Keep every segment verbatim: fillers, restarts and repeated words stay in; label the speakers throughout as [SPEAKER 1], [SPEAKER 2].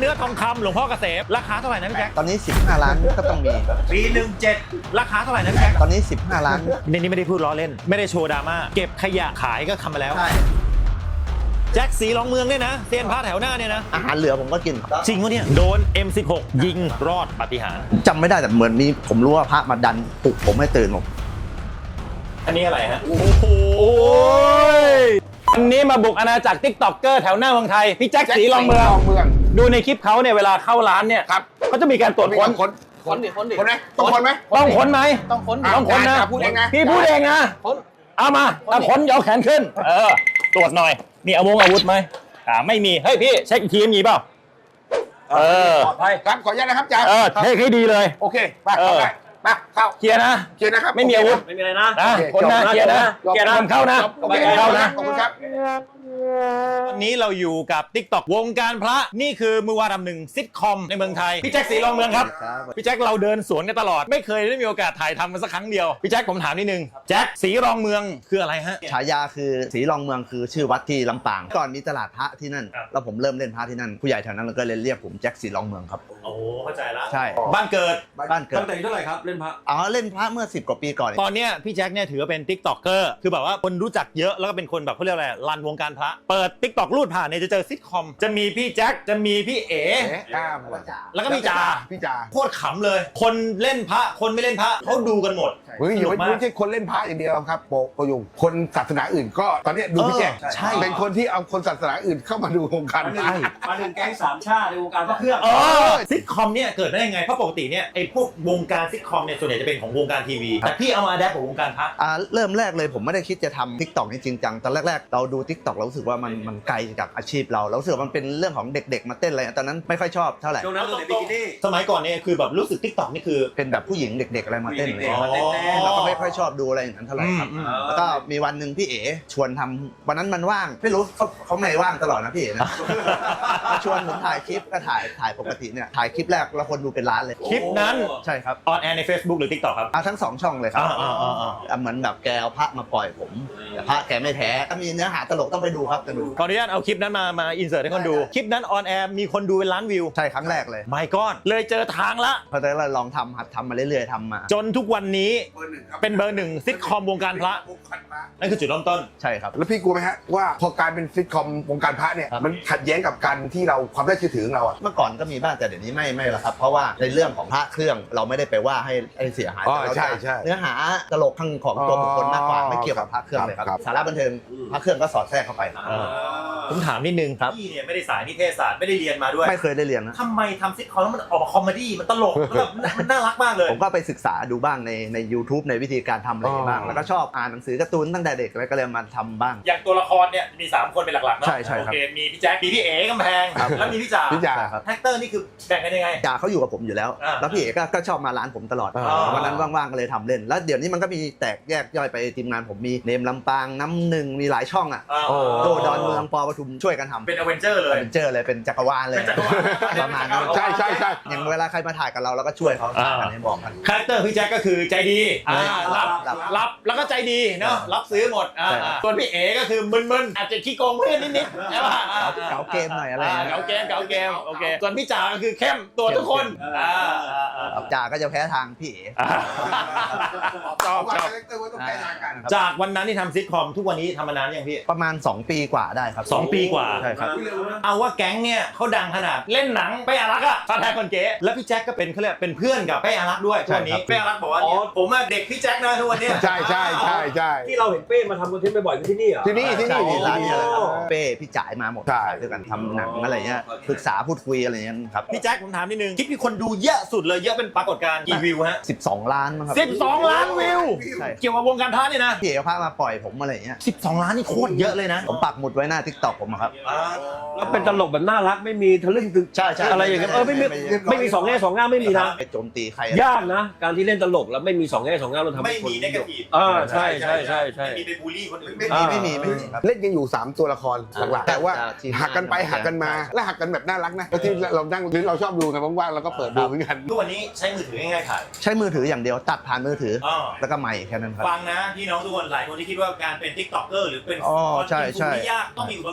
[SPEAKER 1] เนื้อทองคำหลวงพ่อเกษมราคาเท่าไหร่นะพี่แจ็ค
[SPEAKER 2] ตอนนี้สิบห้าล้านก็ต้องมี
[SPEAKER 1] ปีหนึ่งเจ็ดราคาเท่าไหร่นะพี่แจ็ค
[SPEAKER 2] ตอนนี้สิบห้าล้าน
[SPEAKER 1] ในนี้ไม่ได้พูดล้อเล่นไม่ได้โชว์ดราม่าเก็บขยะขายก็ทำมาแล้ว
[SPEAKER 2] ใช่
[SPEAKER 1] แจ็คสีรองเมืองเนี่ยนะเซียนพระแถวหน้าเนี่ยนะ
[SPEAKER 2] อาหารเหลือผมก็กิน
[SPEAKER 1] จริงวะเนี่ยโดน เอ็ม สิบหก ยิงรอดปาฏิหาริย์
[SPEAKER 2] จำไม่ได้แต่เหมือนมีผมรู้ว่าพระมาดันปลุกผมให้ตื่นผม
[SPEAKER 1] อันนี้อะไรฮะโอ้โหอันนี้มาบุกอาณาจักรติ๊กต็อกเกอร์แถวหน้าเมืองไทยพี่แจ็คสีรองเมืองดูในคลิปเขาเนี่ยเวลาเข้าร้านเนี่ยครับเขาจะมีการตรวจค้น
[SPEAKER 3] ค้นค้นดิค้นดิค้นไหมต้องค้นไหม
[SPEAKER 1] ต้องค้นไหม
[SPEAKER 3] ต้องค้น
[SPEAKER 1] ต้องค้นนะ
[SPEAKER 3] พูดเองนะ
[SPEAKER 1] พี่พูดเองนะ
[SPEAKER 3] ค้น
[SPEAKER 1] เอามาเอาค้นยกแขนขึ้นเออตรวจหน่อยมีอาวุธอาวุธไหมอ่าไม่มีเฮ้ยพี่เช็คอีกทีมีเปล่าเออ
[SPEAKER 3] ปลอดภัยครับขออนุญาตนะครับจ่า
[SPEAKER 1] เออเช็คให้ดีเลย
[SPEAKER 3] โอเคไปเข้าไปมาเข้า
[SPEAKER 1] เคลียร์นะ
[SPEAKER 3] เคลียร์นะครับ
[SPEAKER 1] ไม่มีอาวุธ
[SPEAKER 3] ไม่มีอะไรนะ
[SPEAKER 1] คนนะเคลียร์นะเคลียร์นะเข้านะเข้านะ
[SPEAKER 3] ขอบคุณครับ
[SPEAKER 1] วันนี้เราอยู่กับ ติ๊กต็อก วงการพระนี่คือมือวาดำหนึ่งซิทคอมในเมืองไทยพี่แจ็คสีรองเมืองครับพี่แจ็คเราเดินสวนกันตลอดไม่เคยได้มีโอกาสถ่ายทำกันสักครั้งเดียวพี่แจ็คผมถามนิดนึงแจ็คสีรองเมืองคืออะไรฮะ
[SPEAKER 2] ฉายาคือสีรองเมืองคือชื่อวัดที่ลำปางก่อนมีตลาดพระที่นั่นแล้วผมเริ่มเล่นพระที่นั่นผู้ใหญ่แถวนั้นก็เลยเรียกผมแจ็คสีรองเมืองครับ
[SPEAKER 1] โอ้เข้าใจละ
[SPEAKER 2] ใช่
[SPEAKER 1] บ้านเกิด
[SPEAKER 2] บ้านเกิด
[SPEAKER 1] ตั้งแต่เท่าไหร่ครับเล่นพระ
[SPEAKER 2] อ๋อเล่นพระเมื่อสิบกว่าปีก่อน
[SPEAKER 1] ตอนเนี้ยพี่แจ็คเนี่ยถือว่าเป็นติ๊กต็อกเกอร์คือแบบว่าคนรู้จักเยอะแล้วก็เป็นคนแบบเขาเรียกอะไรรันวงการพระเปิดติ๊กต็อกรูดผ่านเนี่ยจะเจอซิทคอมจะมีพี่แจ็คจะมีพี่เอ๋แล้วก็พี่จ่า
[SPEAKER 3] พี่จ่า
[SPEAKER 1] โคตรขำเลยคนเล่นพระคนไม่เล่นพระเขาดูกันหมด
[SPEAKER 3] เฮ้ยไม่ใช่คนเล่นพระอย่างเดียวครับโปโปยุงคนศาสนาอื่นก็ตอนนี้ดูพี่แจ็คเป็นคนที่เอาคนศาสนาอื่นเข้ามาดูวงการพระ
[SPEAKER 4] มาถึงแก๊งสามชาติในวงการพระเครื่อง
[SPEAKER 1] เออซิทคอมเนี่ยเกิดได้ยังไงเพราะปกติเนี่ยไอ้พวกวงการซิทคอมเนี่ยส่วนใหญ่จะเป็นของวงการทีวีแต่พี่เอามาแดปของวงการพระ
[SPEAKER 2] อ่าเริ่มแรกเลยผมไม่ได้คิดจะทำทิกตอกนี่จริงจังตอนแรกๆเราดูทิกตอกเรารู้สึกว่ามันมันไกลจากอาชีพเราเรารู้สึกมันเป็นเรื่องของเด็กๆมาเต้นอะไรตอนนั้นไม่ค่อยชอบเท่าไหร่
[SPEAKER 4] ช่วงนั้นเราเด็กบิกินี่
[SPEAKER 1] สมัยก่อนเนี่ยคือแบบรู้สึกทิกตอกนี่คือ
[SPEAKER 2] เป็นแบบผู้หญิงเด็กๆอะไรมาเต้นเลยเราก็ไม่ค่อยชอบดูอะไรอย่างนั้นเท่าไหร่ครับแล้วก็มีวันหนึ่งพี่เอ๋ชวนทำวันนั้นมันว่างไม่รู้เขาเขาไม่ว่างตลอดนะพี่เอ๋นะชวนผมถ่ายคลิปก็ถ่ายถ่ายปกติเนี่ยถ่ายคลิปแรกแล้วคนดูเป็นล้านเลย
[SPEAKER 1] คลิปนั้น
[SPEAKER 2] ใช่ครับ
[SPEAKER 1] ออนแอร์ใน Facebook หรือ TikTok ครับ
[SPEAKER 2] ทั้งสองช่องเลยครับเหมือนแบบแกเอาพระมาปล่อยผมแต่พระแกไม่แท้ถ้ามีเนื้อหาตลกต้องไปดูครับจะดู
[SPEAKER 1] ขออนุญาตเอาคลิปนั้นมามาอินเสิร์ตให้คนดูคลิปนั้นออนแอร์มีคนดูเป็นล้านวิว
[SPEAKER 2] ใช่ครั้งแรกเลย
[SPEAKER 1] ไม่ก้อนเลยเจอทางละ
[SPEAKER 2] พอแต่เราลองทำหัดทำมาเรื่อยๆทำมา
[SPEAKER 1] จนทุกวันนี้เป็นเบอร์หนึ่งซิทคอมวงการพระนั่นคือจุดเริ่มต้น
[SPEAKER 2] ใช่ครับ
[SPEAKER 3] แล้วพี่กลัวไหมฮะว่าพอกลายเป็นซิทคอมวงการพระเนี่ยมันขัดแย้งกับการที่เราความน่าเชื่อถือของเราอ่ะ
[SPEAKER 2] เมื่อก่อนก็มีบ้างแต่เดี๋ยวนี้ไม่ไม่ละครับเพราะว่าในเรื่องของพระเครื่องเราไม่ได้ไปว่าให้ให้เสียหายแต่เราเนื้อหาตลกข้างของตัวบุคคลมากกว่าไม่เกี่ยวกับพระเครื่องเลยครับสาระบันเทิงพระเครื่องก็สอดแทรกเข้าไป
[SPEAKER 1] ผมถามนิดนึงครับพี่เนี่ยไม่ได้สายนิเทศศาสตร์ไม่ได้เรียนมาด้วย
[SPEAKER 2] ไม่เคยได้เรียนนะ
[SPEAKER 1] ทำไมทำซิทคอมแล้วมันออกมาคอมเมดี้มันตลกแล้วมันน่ารักมากเลย
[SPEAKER 2] ผมก็ไปศึกษาดูบ้างในใน YouTube ในวิธีการทำอะไรบ้างแล้วก็ชอบอ่านหนังสือการ์ตูนตั้งแต่เด็กแล้วก็เลยมาทำบ้าง
[SPEAKER 1] อย่างตัวละครเนี่ยมีสามคนเป็นหลักๆเนาะ
[SPEAKER 2] ใช่ใช่ครับ
[SPEAKER 1] โอเคมีพี่แจ็คมีพี่เอ๋กำแพงแล้วมีพี่จ่า
[SPEAKER 2] พี่จ่าครับ
[SPEAKER 1] แท็กเตอร์นี่คือแบ่งกันยังไง
[SPEAKER 2] จ่าเขาอยู่กับผมอยู่แล้วแล้วพี่เอ๋ก็ชอบมาร้านผมตลอดวันนั้นว่างๆก็เลยทำเล่นแล้วเดี๋ยวนี้มันก็มีแตกแยกย่อยไปทีมงานผมมีเนมลำปางน้ำหนึ่งมีหลายช่องอ่ะโดดอนเมืองปอปทุมช่วยกันทำ
[SPEAKER 1] เป็นอเวนเจอร์เลย
[SPEAKER 2] อเวนเจอร์เลยเป็นจักรวาลเลยประมาณนั้น
[SPEAKER 3] ใช่ใช่ใช่
[SPEAKER 2] อย่างเวลาใครมาถ่ายกับเราเราก็ช่วยเขากันให้บอกกัน
[SPEAKER 1] คาแรคเตอร์พี่แจ็คก็คือใจดีรับรับแล้วก็ใจดีเนาะรับซื้อหมดส่วนพี่เอ๋ก็คือมึนๆอาจจะขี้โกงเพื่อนนิดๆใช่ป่ะ
[SPEAKER 2] เก๋าเกมหน่อยอะไร
[SPEAKER 1] เก๋าเกมเก๋าเกมโอเคส่วนพี่จ่าก็คือเข้มตัวทุกคน
[SPEAKER 2] จ่าก็จะแพ้ทางพี่เอ๋
[SPEAKER 1] ชอบชอบจากวันนั้นที่ทำซิทคอมทุกวันนี้ทำมานานยังพี่
[SPEAKER 2] ประมาณสองปีกว่าได้ครับ
[SPEAKER 1] สองปีกว่า
[SPEAKER 2] ใช่ครับ
[SPEAKER 1] เอาว่าแก๊งเนี่ยเขาดังขนาดเล่นหนังเป้อารักษ์อะฟาแทคนเก๋แล้วพี่แจ็คก็เป็นเขาเรียกเป็นเพื่อนกับเป้อารักษ์ด้วยทุกวันนี้เป้อารักษ์บอกว่าผมอะเด็กพี่แจ็คนะทุกวันนี้
[SPEAKER 3] ใช่ใช่ใช่ใช่
[SPEAKER 4] ที่เราเห็นเป้มาทำคอนเทนต์บ่อยๆที่นี่เหรอ
[SPEAKER 3] ที่นี่ที่นี่
[SPEAKER 2] ร้านนี้แหละครับเป้พี่จ่ายมาหมดด้วยกันทำหนังอะไรเงี้ยปรึกษาพูดคุยอะไรเงี้ยครับ
[SPEAKER 1] พี่แจ็คผมถามนิดนึงคลิปที่คนดูเยอะสุดเลยเยอะเป็นปรากฏการณ์กี่วิวฮะ
[SPEAKER 2] สิบสองล้านมั้งครับ
[SPEAKER 1] สิบสองล้านวิวเกี่ยวกับวงการพระเนี่ยนะ
[SPEAKER 2] พี่เอ๋พามาปล่อยผมอะไรเงี้ย
[SPEAKER 1] สิบสองล้านนี่โคตรเยอะเลยนะ
[SPEAKER 2] ผมปักหมุดไว้หน้า TikTok ผมครับ
[SPEAKER 4] แล้วเป็นตลกแบบน่ารักไม่มีทะลึ่งตึง
[SPEAKER 2] ใช่ใช่
[SPEAKER 4] อะไรอย่างเงี้ยเออไม่มีไม่มีสองแง่สองง่ามไม่มีนะ
[SPEAKER 2] ไปโจมตีใคร
[SPEAKER 4] ยากนะการที่เล่นตลกแล้วไม่มีสองแง่สองง่ามเราทำ
[SPEAKER 1] ไม่มีเนกาทีฟ
[SPEAKER 4] อ่าใช่ใช่ใช่ใช่
[SPEAKER 1] ไม่มีไปบูลลี่คนอื่น
[SPEAKER 2] ไม่มีไม่มีไม่มี
[SPEAKER 3] เล่นกันอยู่สามตัวละครหลักๆแต่ว่าหักกันไปหักกันมาและหักกันแบบน่ารักนะที่เรานั่งหรือเราชอบดูกันว่างๆเราก็เปิดดูเหมือนกัน
[SPEAKER 1] ทุกวันนี้ใช้มือถือง่ายๆถ่าย
[SPEAKER 2] ใช้มือถืออย่างเดียวตัดผ่านมือถือแล้วก็ไมค์แค่นั้นครับ
[SPEAKER 1] ฟังนะพี่น้องทุกคนหลายคนที่คิดว่าการเป็น ติ๊กต็อกเกอร์ หรือเป็นคอนเทนต์ที่ยากต้องมีอุปก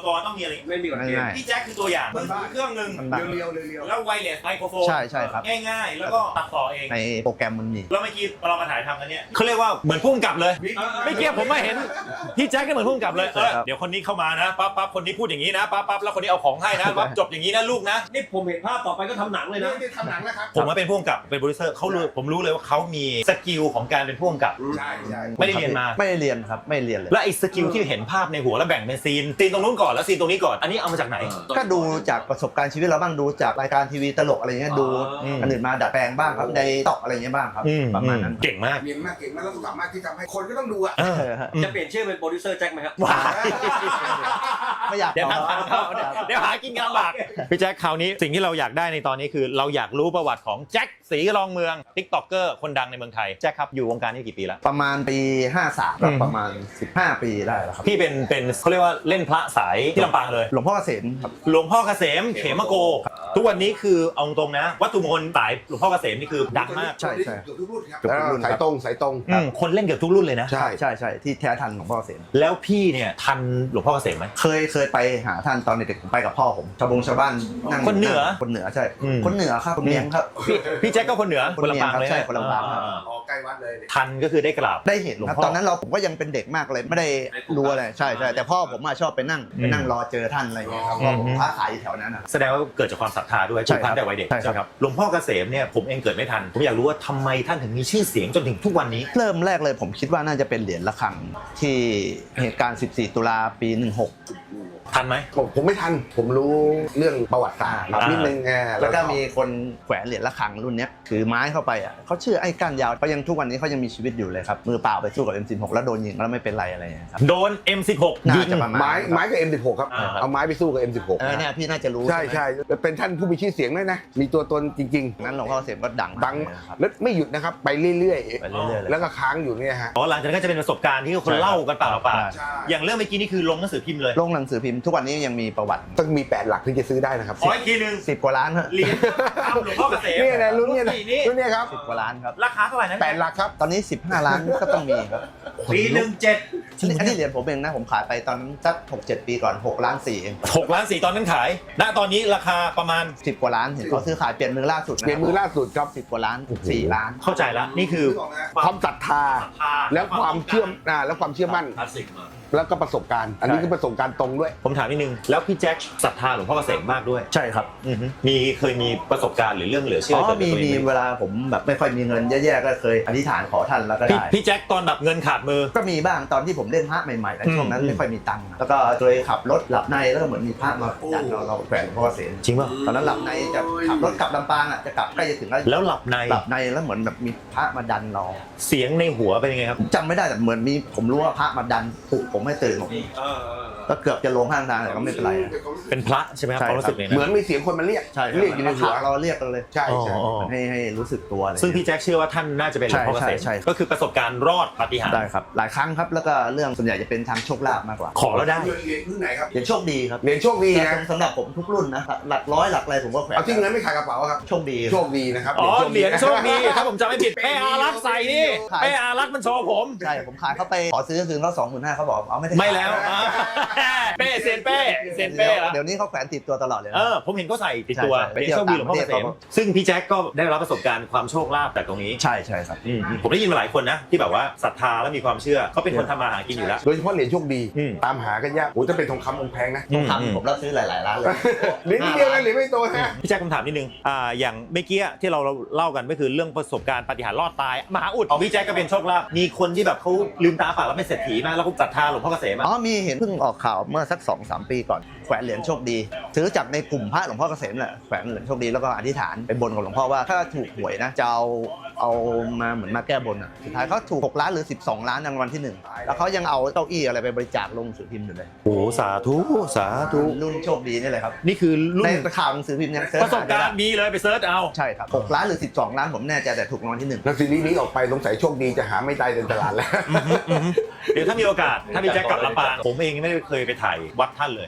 [SPEAKER 1] กรณ์ต้องมีอะไร
[SPEAKER 4] ไม่มีกฎเกณฑ์
[SPEAKER 2] ง่าย
[SPEAKER 1] พี่แจ็คคือตัวอย่างมือถือเครื่องหนึ่ง
[SPEAKER 2] มันแบบ
[SPEAKER 3] เรียวๆเรียว
[SPEAKER 1] แล้วไวเลสไมโครโฟน
[SPEAKER 2] ใช่ใช่ครับ
[SPEAKER 1] ง่ายๆ แล้วก็ตัดต่อเอง
[SPEAKER 2] ในโปรแกรมมันมี
[SPEAKER 1] แล้วเมื่อกี้เรามาถ่ายทำกันเนี่ยเขาเรียกว่าเหมือนพุ่งกลับเลยไม่เกี่ยวผมมาเห็นพี่แจ็คก็เหมือนพุ่งกลับเลยเออเดี๋ยวคนนี้เข้ามานะปั๊บปั๊บคนนี้พูดอย่างนี้นะปั๊บปั๊บแล้วคนนี้เอาของให้นะปั๊บจบอย่างนี้นะลูกนะ
[SPEAKER 4] นี่ผมเห็นภาพต่อไปก็ทำหนังเลยนะ
[SPEAKER 3] นี่ทำหนังแล้วครับ
[SPEAKER 1] ผมมาเป็นผู้กำกับเป็นโปรดิวเซอร์เขารู้ผมรู้เลยว่าเขามีสกิลของการเป็นผู้กำกับ
[SPEAKER 3] ใช่ใช่
[SPEAKER 1] ไม่ได้เรียนมา
[SPEAKER 2] ไม่ได้เรียนครับไม่เรียนเลย
[SPEAKER 1] และไอ้สกิลที่เห็นภาพในหัวแล้วแบ่งเป็นซีนซีนตรงนู้นก่อนแล้วซีนตรงนี้ก่อนอันนี้เอามาจากไหน
[SPEAKER 2] ก็ดูจากประสบการณ์ชีวิตเราบ้างดูจากรายการทีวีตลกอะไรเงี้ยดู
[SPEAKER 1] อืม
[SPEAKER 2] อันอื่นมาดัดแปลงบ้างครับในตอกอะไรเงี้ยบ้างครับประมาณนั้น
[SPEAKER 1] เก่งมาก
[SPEAKER 3] เรียนมากเก่งมากแล้วก็สามารถที่ทำให้คนก็ต้องดูอ่ะ
[SPEAKER 1] เออ
[SPEAKER 2] เออฮะ
[SPEAKER 4] จะเปลี่ยนชื่อเป็นโปรดิวเซอร์แจ็คไหมครับ
[SPEAKER 1] ว้าย
[SPEAKER 2] ไม่อยาก
[SPEAKER 1] เดี๋ยว
[SPEAKER 2] ต่อ
[SPEAKER 1] ทางเข้าเดี๋ยวเดี๋ยวหากินกันลำบากพี่แจ็คคราวนี้สิ่งที่เราอยากได้ในตอนนี้คือเราอยากรู้ประวัติของแจ็คศรีรองเมืองติ๊กต็อกเกอร์คนดังในเมืองไทยแจ็คครับอยู่วงการนี้กี่ปีแล้ว
[SPEAKER 2] ประมาณปีห้าสามครับประมาณสิบห้าปีได้แล้วครับ
[SPEAKER 1] พี่เป็นเป็นเขาเรียกว่าเล่นพระสายที่ลำปางเลย
[SPEAKER 2] หลวงพ่อเกษมครับ
[SPEAKER 1] หลวงพ่อเกษมเขมโก ทุกวันนี้คือเอาตรงนะวัตถุมงคลสายหลวงพ่อเกษมนี่คือดังมาก
[SPEAKER 2] ใช่ใช่
[SPEAKER 3] เกือบทุกรุ่นครับ
[SPEAKER 2] เกือบทุกรุ่น
[SPEAKER 3] สายตรงสายตรง
[SPEAKER 1] อืมคนเล่นเกือบทุกรุ่นเลยนะ
[SPEAKER 3] ใช่
[SPEAKER 2] ใช่ใช่ที่แท้ทันหลวงพ่อเกษม
[SPEAKER 1] แล้วพี่เนี่ยทันหลวงพ่อเกษมไหม
[SPEAKER 2] เคยเคยไปหาท่านตอนเด็กๆผมไปกับพ่อผมชาวบงชาวบ้านนั่ง
[SPEAKER 1] คนเหนือ
[SPEAKER 2] คนเหนือใช่
[SPEAKER 1] อืม
[SPEAKER 2] คนเหนือครับคนเมียงครับ
[SPEAKER 1] พี่พี่แจ็คก็คนเหนือ
[SPEAKER 2] คนเมียงครับ
[SPEAKER 1] เลย
[SPEAKER 2] ใช่คนลำปางครับ
[SPEAKER 1] อ่า
[SPEAKER 3] ออกใกล้วัดเลยเนี่ย
[SPEAKER 1] ทันก็คือได้กราบ
[SPEAKER 2] ได้เห็น
[SPEAKER 1] หลวง
[SPEAKER 2] ครับ
[SPEAKER 1] พ่อ
[SPEAKER 2] ตอนนั้นเราผมก็ยังเป็นเด็กมากเลยไม่ได้รู้อะไรใช่ใช่แต่พ่อผมอะชอบไปนั่ง
[SPEAKER 1] อืม
[SPEAKER 2] ไปนั่งรอเจอท่านอะไรอย่างเงี้ยครับ
[SPEAKER 1] อืม
[SPEAKER 2] เพราะผมค้าขายอยู่แถวนั้นนะ
[SPEAKER 1] แสดงว่าเกิดจากความศรัทธาด้วย
[SPEAKER 2] ใช่
[SPEAKER 1] ผูก
[SPEAKER 2] ครั
[SPEAKER 1] พัน
[SPEAKER 2] บ
[SPEAKER 1] แต่วัยเด็ก
[SPEAKER 2] ใช่ครับ
[SPEAKER 1] ไหมหลวงพ่อเกษมเนี่ยผมเองเกิดไม่ทันผมอยากรู้ว่าทำไมท่านถึงมีชื่อเสียงจนถึงทุกวันนี้
[SPEAKER 2] เริ่มแรกเลยผมคิดว่าน่าจะเป็นเหรียญระฆังที่เหตุการณ์ สิบสี่ ตุลาปีหนึ่งหก
[SPEAKER 1] ทันไหม
[SPEAKER 3] ผมผมไม่ทันผมรู้เรื่องประวัติศาสตร์
[SPEAKER 1] อ่า
[SPEAKER 3] นิดนึงอ่า
[SPEAKER 2] แล้วก็มีคนแขวนเหรียญระฆังรุ่นเนี้ยถือไม้เข้าไปอ่ะเขาชื่อไอ้ก้านยาวเขายังทุกวันนี้เขายังมีชีวิตอยู่เลยครับมือเปล่าไปสู้กับ เอ็ม สิบหก แล้วโดนยิงแล้วไม่เป็นไรอะไรอย่างเงี้ยครับ
[SPEAKER 1] โดน เอ็ม สิบหก
[SPEAKER 2] น่า
[SPEAKER 1] ยิง
[SPEAKER 2] จะประมาณ
[SPEAKER 3] ไม้ไม้กับ เอ็ม สิบหก ครับ
[SPEAKER 1] อ่า
[SPEAKER 3] เอาไม้ไปสู้กับ เอ็ม สิบหก
[SPEAKER 2] เออเนี่ยพี่น่าจะรู้
[SPEAKER 3] ใช่
[SPEAKER 2] ไหม
[SPEAKER 3] ใช่เป็นท่านผู้มีชื่อเสียงด้วยนะ มีตัวตนจริง
[SPEAKER 2] นั้นหลวงพ่อเกษมก็ดัง
[SPEAKER 3] ๆ ดัง
[SPEAKER 2] มากเลยนะครับ
[SPEAKER 3] แล้วไม่หยุดนะครับ ไปเรื่อย
[SPEAKER 2] ไปเรื่อยๆเลย
[SPEAKER 3] แล้วก็ค้างอยู่เนี่ยฮะ
[SPEAKER 1] อ๋อหลังจากนั้นก็จะเป็นประสบการณ์ที่คนเล่ากันปากต่อปาก
[SPEAKER 3] ใช่
[SPEAKER 1] อย่างเรื่องเมื่อกี้นี่คือลงหนังสือพิมพ์เลย
[SPEAKER 2] ลงหนังสือพิมพ์ทุกวันนี้ยังมีประวัติ
[SPEAKER 3] ต้องมีแปดหลักถึงจะซื้อได้นะครับ
[SPEAKER 1] ขออีกทีหนึ่ง
[SPEAKER 2] สิบกว่าล้านฮะ
[SPEAKER 1] เหรียญทำหลวงพ่อเกษม
[SPEAKER 3] เนี่ยนะรุ่นเนี่ยนะ
[SPEAKER 1] นี่
[SPEAKER 3] รุ่นเนี่ยครับ
[SPEAKER 2] สิบกว่าล้านครับ
[SPEAKER 1] ราคาเท่าไหร่นะ
[SPEAKER 3] แปดหลักครับ
[SPEAKER 2] ตอนนี้สิบห้าล้านก็ต้องมีครับ
[SPEAKER 1] ปีหนึ่งเจ็ด
[SPEAKER 2] อันนี้อันนี้เหรียญผมเองนะผมขายไปตอนนั้นสักหกเจ็ดปีก่อนหกล้านสี่เอง
[SPEAKER 1] หกล้านสี่ตอนนั้นขาย ณ ตอนนี้ราคาประมาณ
[SPEAKER 2] สิบกว่าล้านเห็นเขาซื้อขายเปลี่ยนมือล่าสุดนะ
[SPEAKER 3] เปลี่ยนมือล่าสุดครับ
[SPEAKER 2] สิบกว่าล้านสี่ล้าน
[SPEAKER 1] เข้าใจแล้วนี่คือ
[SPEAKER 3] ความศรัทธา แล้วความเชื่อมอ่าแล้วความเชื่อมั่น
[SPEAKER 4] คลาสสิกมา
[SPEAKER 3] แล้วก็ประสบการณ์ อันนี้คือประสบการณ์ตรงด้วย
[SPEAKER 1] ผมถามนิดนึง แล้วพี่แจ็คศรัทธาหลวงพ่อเกษมมากด้วย
[SPEAKER 2] ใช่ครับ
[SPEAKER 1] อือฮึมีเคยมีประสบการณ์หรือเรื่องเหลือเชื่
[SPEAKER 2] อ๋
[SPEAKER 1] อ
[SPEAKER 2] อ
[SPEAKER 1] เกิด
[SPEAKER 2] มี
[SPEAKER 1] กับตัวเอ
[SPEAKER 2] มี
[SPEAKER 1] งไหม
[SPEAKER 2] เวลาผมแบบไม่ค่อยมีเงินแย่ๆก็เคยอธิษฐานขอท่านแล้วก็
[SPEAKER 1] พี่
[SPEAKER 2] ได้
[SPEAKER 1] พี่แจ็คตอนแบบเงินขาดมือ
[SPEAKER 2] ก็มีบ้างตอนที่ผมเล่นพระใหม่ๆแล้ว
[SPEAKER 1] อืม
[SPEAKER 2] ช่วงนั้น
[SPEAKER 1] อืม
[SPEAKER 2] ไม่ค่อยมีตังค์แล้วก็เคยขับรถหลับในแล้วก็เหมือนมีพระมาดันเราเราแขวนหลวงพ่อเกษม
[SPEAKER 1] จริงป่ะ
[SPEAKER 2] ตอนนั้นหลับในจะขับรถกลับลำปางอ่ะจะกลับใกล้จะถึงแล้ว
[SPEAKER 1] แล้วหลับใน
[SPEAKER 2] หลับในแล้วเหมือนแบบมีพระมาดันเรา
[SPEAKER 1] เสียงในหัวเป็นยังไงครับ
[SPEAKER 2] จำไม่ได้แต่เหมือนมีผมรู้ว่าพระมาดันปลุกผมให้ตื่นผมก็เกือบจะลงข้างทางแต่ก็ไม่เป็นไรอะ
[SPEAKER 1] เป็นพระใช่ไหมครับ
[SPEAKER 2] ใช่
[SPEAKER 1] ความรู้สึกเนี่ยนะ
[SPEAKER 3] เหมือนมีเสียงคนมาเรียก
[SPEAKER 2] ใช่ครับ
[SPEAKER 3] เรียกอยู่ในหัว
[SPEAKER 2] เราเรียกกันเลย
[SPEAKER 3] ใช่ใช่
[SPEAKER 1] อ๋ออ๋อ
[SPEAKER 2] ให้ให้รู้สึกตัวเลย
[SPEAKER 1] ซึ่งพี่แจ็คเชื่อว่าท่านน่าจะเป็นหลวงพ่อเกษม
[SPEAKER 2] ใช่ใช่ใช่
[SPEAKER 1] ก็คือประสบการณ์รอดปาฏิหาริ
[SPEAKER 2] ได้
[SPEAKER 1] ย์
[SPEAKER 2] ครับหลายครั้งครับแล้วก็เรื่องส่วนใหญ่จะเป็นทางโชคลาภมากกว่า
[SPEAKER 1] ขอแล้วได้
[SPEAKER 3] เหรียญรุ่นไหนครับ
[SPEAKER 2] เหรียญโชคดีครับ
[SPEAKER 3] เหรียญโชคดี
[SPEAKER 2] แต่
[SPEAKER 3] นะ
[SPEAKER 2] สำหรับผมทุกรุ่นนะหลักร้อยหลักอะไรผมก็แขวน
[SPEAKER 3] เอาที่เงินไม่ขายกระเป๋าครับ
[SPEAKER 2] โชคดี
[SPEAKER 3] โชคดีนะครับ
[SPEAKER 1] อ๋อเหรียญโชคดีถ้าผมจำไม่ผิดเป้อารักษ์ใส่นี่เป้อารักษ์มันโชว์ผม
[SPEAKER 2] ใช่ผมขายเขาไปขอซื้อคืนเขาสองหมื่นห้าเขาบอกเอาไม่ได้
[SPEAKER 1] ไม่แล้วอ่าเป้เซียนเป้เซียนเป้แล้ว
[SPEAKER 2] เดี๋ยวนี้เขาแขวนติดตัวตลอดเลยนะ
[SPEAKER 1] เออผมเห็นเขาใส่ติดตัว
[SPEAKER 2] ใช่ใช่
[SPEAKER 1] เป็นโชคดีหลวงพ่อเกษ
[SPEAKER 2] ไปเที่ยว
[SPEAKER 1] ม
[SPEAKER 2] ต่างประเทศ
[SPEAKER 1] ซึ่งพี่แจ็คก็ได้รับประสบการณ์ความโชคลาภจากตรงนี้
[SPEAKER 2] ใช่ใช่ครับ
[SPEAKER 1] อืมผมได้ยินมาหลายคนนะที่แบบว่าศรัทธาและมีความเชื่อเขาเป็นคนทำมาหากินอยู่แล้ว
[SPEAKER 3] โดยเฉพาะเหรียญโชคดี
[SPEAKER 1] อืม
[SPEAKER 3] ตามหากันยากโอ้ถ้าเป็นทองคำองค์แพงนะ
[SPEAKER 1] อืม
[SPEAKER 2] ทำผมรับซื้อหลายๆร้านเลย
[SPEAKER 3] เหรียญนิดเดียวนะเหรียญไม่โตนะ
[SPEAKER 1] พี่แจ็คคำถามนิดนึงอ่าอย่างเมื่อกี้ที่เราเล่ากันก็คือเรื่องประสบการณ์ปาฏิหาริย์รอดตายมหาอุดของพี่แจ็คก็เป็นโชคลาภมีคนที่แบบเขาลืมตาปากแล้วเป็นเศรษฐีมากแล้วก็ศรัทธาหลวงพ่อเกษมอะ
[SPEAKER 2] อ๋อมีเห็นเพิ่งออกข่าวเมื่อสักสองสามปีก่อนแขวนเหรียญโชคดี ซื้อจากในกลุ่มพระหลวงพ่อเกษมแหละแขวนเหรียญโชคดีแล้วก็อธิษฐานไปบนกับหลวงพ่อว่าถ้าถูกหวยนะจะเอาเอามาเหมือนมาแก้บนอ่ะสุดท้ายเขาถูกหกล้านหรือสิบสองล้านในวันที่หนึ่งแล้วเขายังเอาเก้าอี้อะไรไปบริจาคลงหนังสือพิมพ์อยู่เลย
[SPEAKER 1] โอ้สาธุสาธุ
[SPEAKER 2] รุ่นโชคดีนี่เลยครับ
[SPEAKER 1] นี่คือรุ่
[SPEAKER 2] ใน
[SPEAKER 1] น
[SPEAKER 2] ข่าวหนังสือพิมพ์ยังเสิร์
[SPEAKER 1] ป
[SPEAKER 2] ช
[SPEAKER 1] ระสบการณ์มีเลยไปเซิร์ชเอา
[SPEAKER 2] ใช่ครับหกล้านหรือสิบสองล้านผมแน่ใจแต่ถูกรางวัลที่หนึ่ง
[SPEAKER 3] แล้วซีรีส์นี้ออกไปสงสัยโชคดีจะหาไม่ได้ในตลาดแล้ว
[SPEAKER 1] เดี๋ยวถ้ามีโอกาสถ้าพี่แจ็คกลับลำปางผมเองไม่ได้เคยไปถ่ายวัดท่านเลย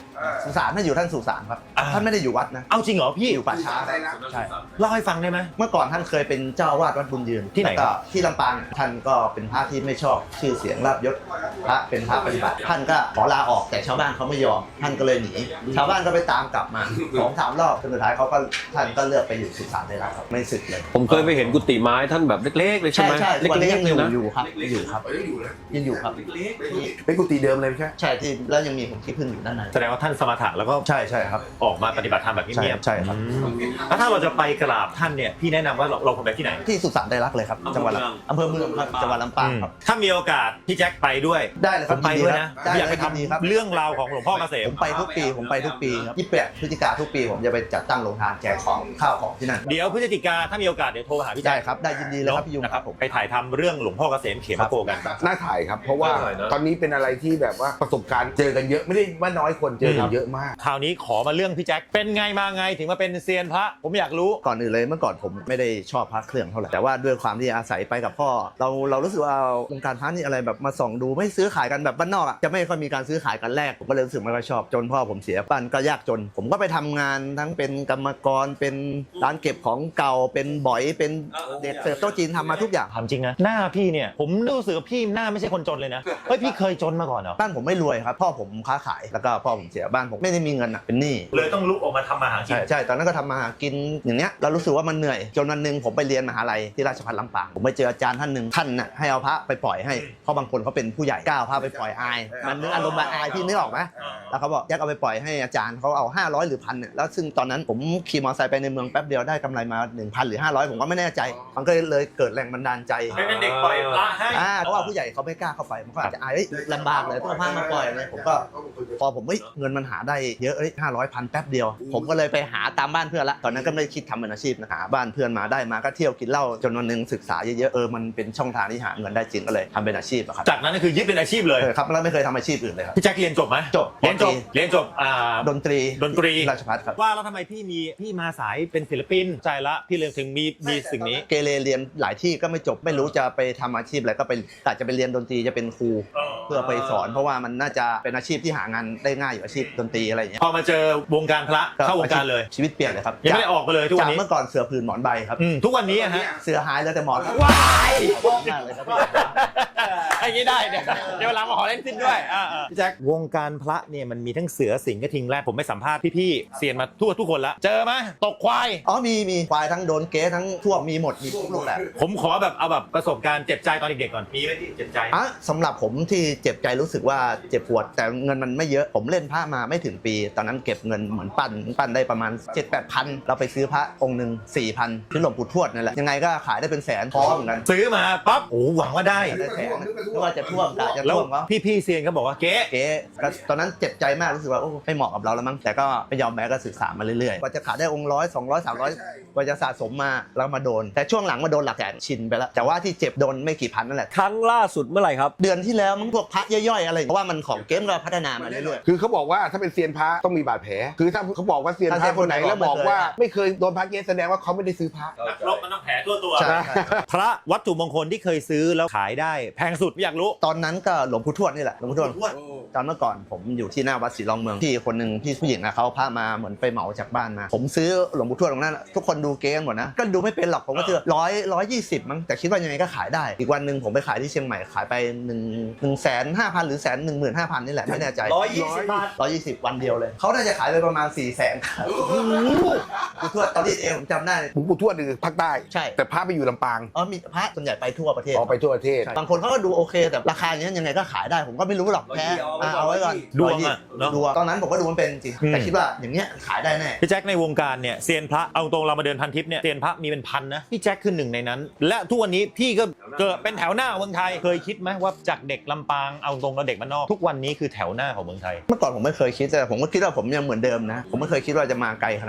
[SPEAKER 2] สุสานท่านอยู่ท่านสุสานครับ
[SPEAKER 1] อ่า
[SPEAKER 2] ท่านไม่ได้อยู่วัดนะ
[SPEAKER 1] เอาจริงเหรอพี่
[SPEAKER 2] อยู่ป่าช้า
[SPEAKER 3] ใช่
[SPEAKER 1] เล่าให้ฟังได้ไหม
[SPEAKER 2] เมื่อก่อนท่านเคยเป็นเจ้าวาดวัดบุญยืน
[SPEAKER 1] ที่ไหน
[SPEAKER 2] แล้วก็ที่ลำปางท่านก็เป็นพระที่ไม่ชอบชื่อเสียงลาภยศพระเป็นพระปฏิบัติท่านก็ขอลาออกแต่ชาวบ้านเขาไม่ยอมท่านก็เลยหนีชาวบ้านก็ไปตามกลับมาสองสามรอบจนสุดท้ายเขาก็ท่านก็เลือกไปอยู่สุสานได้แล้วครับไม่สึกเลย
[SPEAKER 4] ผมเคยไปเห็นกุฏิไม้ท่านแบบเล็กๆเลยใช่
[SPEAKER 2] ใช่
[SPEAKER 4] ไหม
[SPEAKER 2] ใช่ทุกวันนี้ยังอยู่
[SPEAKER 4] นะ
[SPEAKER 2] อยู่ครับยังอยู่ครับยังอยู่ครับ
[SPEAKER 3] เป็นกุฏิเดิมเลยใช่
[SPEAKER 2] ใช่ที่แล้วยังมีผมที่พึ่งอยู่ด้านใน
[SPEAKER 1] แสดงว่าท่านสมถะแล้วก็
[SPEAKER 2] ใช่ใช่ครับ
[SPEAKER 1] ออกมาปฏิบัติธรรมแบบ
[SPEAKER 2] ใช่
[SPEAKER 1] เงียบๆ
[SPEAKER 2] ใช่ครับ
[SPEAKER 1] อืมแล้วถ้าเราจะไปกราบท่านเนี่ยพี่แนะนำว่าเราเราควรไปที่ไหน
[SPEAKER 2] ที่สุสานไดรักเลยครับจังหวัดลำอำเภอเมืองครับจังหวัดลำปางครับ
[SPEAKER 1] ถ้ามีโอกาสพี่แจ็คไปด้วย
[SPEAKER 2] ได้เลยค
[SPEAKER 1] ผ
[SPEAKER 2] รับ
[SPEAKER 1] มไปด้วยนะ
[SPEAKER 2] ได้
[SPEAKER 1] อยากไป
[SPEAKER 2] ยินดีครับ
[SPEAKER 1] ทำเรื่องราวของหลวงพ่อเกษ
[SPEAKER 2] ผม มไปทุกปีผมไปทุกปีครับยี่สิบแปดพฤศจิกาทุกปีผมจะไปจัดตั้งโรงทานแจกของข้าวของที่นั่น
[SPEAKER 1] เดี๋ยวพฤศจิกาถ้ามีโอกาสเดี๋ยวโทรหาพี่แจ็
[SPEAKER 2] ได้
[SPEAKER 1] ค
[SPEAKER 2] ครับได้ยินดีเลยครับพี่ยุง
[SPEAKER 1] นะค
[SPEAKER 2] ค
[SPEAKER 1] รั
[SPEAKER 2] รั
[SPEAKER 1] บบ
[SPEAKER 2] ผม
[SPEAKER 1] ไปถ่ายทำเรื่องหลวงพ่อเกษมเขมโกกัน
[SPEAKER 3] น่าถ่ายครับ เพราะว่า
[SPEAKER 4] น่าถ่ายนะ
[SPEAKER 3] ตอนนี้เป็นอะไรที่แบบว่าประสบการณ์เจอกันเยอะไม่ได้ว่าน้อยคนเจอกันเยอะมาก
[SPEAKER 1] คราวนี้ขอมาเรื่องพี่แจ็คเป็นไงมาไงถึงมาเป็นเซียนพระผมอยากรู้
[SPEAKER 2] ก่อนอื่นเลยเมื่อก่อนผมไม่ได้ชอบพระเครื่องเท่าไหร่แต่ว่าด้วยความที่อาศัยไปกับพ่อ เราเรารู้สึกว่าวงการพระนี่อะไรแบบมาส่องดูไม่ซื้อขายกันแบบบ้านนอกอ่ะจะไม่ค่อยมีการซื้อขายกันแรกผมก็เลยรู้สึกไม่ค่อยชอบจนพ่อผมเสียบ้านก็ยากจน ผมก็ไปทำงานทั้งเป็นกรรมกรเป็นร้านเก็บของเก่าเป็นบ่อยเป็นเด็กเสิร์ฟโต๊ะจีนทำมาทุกอย่าง
[SPEAKER 1] ถามจริงนะหน้าพี่เนี่ยผมรู้สึกว่าพี่หน้าไม่ใช่คนจนเลยนะเฮ้ยพี่เคยจนมาก่อนเหรอ
[SPEAKER 2] บ้านผมไม่รวยครับพ่อผมค้าขายแล้วก็พ่อผมเสียบ้านผมไม่ได้มีเงินอ่ะเป็นหนี้
[SPEAKER 1] เลยต้องลุกออกมาทำมาหากิน
[SPEAKER 2] ใช่ใช่ตอนนั้นก็ทำมาหากินอย่างเนี้ยเรารู้สึกว่ามันเหนื่อยจนวันหนึ่งผมไปเรียนมหาลัยที่ราชภัฏลำปางผมไปเจออาจารย์ท่านหนึ่งท่านน่ะให้เอาพระไปปล่อยให้เพราะบางคนเขาเป็นผู้ใหญ่กล้าเอาพระไปปล่อยอายมันนึกอารมณ์แบบอายพี่นึกออกไหมแล้วเขาบอกแยกเอาไปปล่อยให้อาจารย์เขาเอาห้าร้อยหรือพันเนี่ยแล้วซึ่งตอนนั้นผมขี่มอเตอร์ไซค์ไปในเมืองแป๊บเดียวได้กำไรมา หนึ่งพัน หรือห้าร้อยผมก็ไม่แน่ใจมันก็เลยเกิดแรงบันดาลใจ
[SPEAKER 1] เป็นเด็กปล่อยพระให้
[SPEAKER 2] อ่าเพราะว่าผู้ใหญ่เขาไม่กล้าเข้าไปมันก็อาจจะอายเอ้ยลำบากเลยต้องเอาผ้ามาปล่อยเลยผมก็พอผมเฮ้ยเงินมันหาได้เยอะเอ้ยห้าร้อยพันแป๊บเดียว ผมก็เลยไปหาตามบ้านเพื่อนละตอนนั้นก็ไม่ได้คิดทำเป็นอาชีพนะหาบ้านเพื่อนมาได้มาก็เที่ยวกินเหล้าจนวันหนึงศึกษาเยอะๆเออมันเป็นช่องทางที่หาเงินได้จริงก็เลยทำเป็นอาชีพอะครับ
[SPEAKER 1] จากนั้นก็คือยึดเป็นอาชีพเลย
[SPEAKER 2] เออครับแล้วไม่เคยทำอาชีพอื่นเลยครับ
[SPEAKER 1] พี่แจ็คเรียนจบไหม
[SPEAKER 2] จบ
[SPEAKER 1] เรียนจบ
[SPEAKER 2] ปตรี
[SPEAKER 1] เรียนจบอ่า
[SPEAKER 2] ดนตรี
[SPEAKER 1] ดนตรี
[SPEAKER 2] ราชภัฏครับ
[SPEAKER 1] ว่าแล้วทำไมพี่มีพี่มาสายเป็นศิลปินใจละพี่เลยถึงมีมีสิ่งนี้
[SPEAKER 2] เกเรเรียนหลายที่ก็ไม่จบไม่รู้จะไปทำอาชีพอะไรก็ไปอาจจะไปเรียนดนตรีจะเป็นครูเพื่อไปสอน เพราะว่ามันน่าจะเป็นอาชีพที่หางานได้ง่ายอยู่อาชีพดนตรีอะไรอย่างเงี้ย
[SPEAKER 1] พอมาเจอวงการพระเข้าวงการเลย
[SPEAKER 2] ชีวิตเปลี่ยนเลยครับ
[SPEAKER 1] ยังไม่ได้ออกไปเลยทุกวัน
[SPEAKER 2] จาก
[SPEAKER 1] นี้
[SPEAKER 2] เมื่อก่อนเสือผืนหมอนใบครับ
[SPEAKER 1] อืมทุกวันนี้อะฮะ
[SPEAKER 2] เสือหายแล้วแต่หมอน
[SPEAKER 1] ว้าย
[SPEAKER 2] มากเลยครับพี่
[SPEAKER 1] ไอ้นี้ได้เดี๋ยวเดี๋ยวเวลามาขอเล่นสิ้นด้วยอ่าๆพี่แจ็ควงการพระเนี่ยมันมีทั้งเสือสิงห์กระทิงแรดผมไปสัมภาษณ์พี่ๆเซียนมาทั่วทุกคนละเจอไหมตกควาย
[SPEAKER 2] อ๋อมีมีควายทั้งโดนเก๊ทั้งทั่วมีหมดมีทุกรูปแบบ
[SPEAKER 1] ผมขอแบบเอาแบบประสบการณ์เจ็บใจตอนเด็กๆก่อนมีไหมที่เจ็บใจ
[SPEAKER 2] อ่ะสำหรับผมที่เจ็บใจรู้สึกว่าเจ็บปวดแต่เงินมันไม่เยอะผมเล่นพระมาไม่ถึงปี ตอนนั้นเก็บเงินเหมือนปั้นปั้นได้ประมาณ เจ็ดแปดพันเราไปซื้อพระองค์หนึ่งสี่พันที่หลวงปู่ทวดนั่นแหละยังไงก็ขายได้เป็นแสนพอเหมือนกัน
[SPEAKER 1] ซื้อมาปั๊บโอ้หวังว่าได้
[SPEAKER 2] ได้แสนไม่ว่าจะท่วมกะจะ
[SPEAKER 1] แล้ว
[SPEAKER 2] ท่วมเขา
[SPEAKER 1] พี่ๆเซียนก็บอกว่าเก๊
[SPEAKER 2] เก๊ก็ตอนนั้นเจ็บใจมากรู้สึกว่าโอ้ไม่เหมาะกับเราแล้วมั้งแต่ก็ไม่ยอมแพ้ก็ศึกษามาเรื่อยๆกว่าจะขายได้องค์ร้อยสองร้อยสามร้อยกว่าจะสะสมมาแล้วมาโดน แต่ช่วงหลังมาโดนหลักแสนชินไปแล้วแต่ว่าที่เจ็บโดนไม่กี่พันนั่นแหละ
[SPEAKER 4] ครั้งล่าสุดเมื่อไหร่ครับ
[SPEAKER 2] เดือนที่แล้วมันพวกพระย่อยๆอะไรเพราะว่ามันของเกมก็พัฒนามาเรื่อย
[SPEAKER 3] คือเขาบอกว่าถ้าเป็นเซียนพระต้องมีบาดแผลคือถ้าเขาบอกว่าเซียนพระคนไหนแล้วบอกว่าไม่เคยโดนพระเก๊แสดงว่าเขาไม่ได้ซื้อพระ
[SPEAKER 1] นักรบมันต้องแผลทั่วตัว
[SPEAKER 2] ๆใช่
[SPEAKER 1] พระวัตถุมงคลที่เคยซื้อแล้วขายได้แพงสุดอยากรู้
[SPEAKER 2] ตอนนั้นก็หลวงปู่ทวดนี่แหละหลวงปู่ทวดตอนเมื่อก่อนผมอยู่ที่หน้าวัดศรีรองเมืองพี่คนหนึ่งพี่ผู้หญิงนะเขาพามาเหมือนไปเหมาจากบ้านมา ผมซื้อหลวงปู่ทวดตรงนั้นทุกคนดูเกมหมดนะก็ดูไม่เป็นหรอกผมก็ซื้อร้อยร้อยยี่สิบมั้งแต่คิดว่ายังไงก็ขายได้อีกวันหนึ่งผมไปขายที่เชียงใหม่ขายไปหนึ่งหนึ่งแสนห้าพันหรือแสนหนึ่งหมื่นห้าพันนี่แหละไม่แน่ใจ
[SPEAKER 1] ร้อยยี่สิบบาท
[SPEAKER 2] ร้อยยี่สิบวันเดียวเลยเขาน่าจะขายไปประมาณสี่แสนปู่ทวดตอนนี้เองผมจำได้
[SPEAKER 3] หลวงปู่ทวดคือภาคใต้
[SPEAKER 2] ใช่
[SPEAKER 3] แต่พระไปอยู่ลำปาง
[SPEAKER 2] อ๋อมีพระส่วนใหญ่ไปทั่วประเทศ
[SPEAKER 3] ออกไปทั่วประเทศ
[SPEAKER 2] บางคนเขาก็ดูโอเคแต่ราคาอย่างนี้ยังไงก็ขายได้ผมก็ไม่รู้หรอกแพ้อ่ะเอาไว้ก่อน
[SPEAKER 1] ดวงอะเนอะ
[SPEAKER 2] ดวงตอนนั้นผมก็ดูมันเป็นจริง
[SPEAKER 1] อืม
[SPEAKER 2] แต่คิดว่าอย่างเนี้ยขายได้แน่
[SPEAKER 1] พี่แจ็คในวงการเนี่ยเซียนพระเอาตรงเรามาเดินพันทิปเนี่ยเซียนพระมีเป็นพันนะพี่แจ็คคือหนึ่งในนั้น และทุกวันนี้พี่ก็เกิดเป็นแถวหน้าเมืองไทยเคยคิดไหมว่าจากเด็กลำปางเอาตรงเราเด็กบ้านนอกทุกวันนี้คือแถวหน้าของเมืองไทย
[SPEAKER 2] เมื่อก่อนผมไม่เคยคิดแต่ผมก็คิดว่าผมยังเหมือนเดิมนะ ผมไม่เคยคิดว่าจะมาไกลขนาดนี้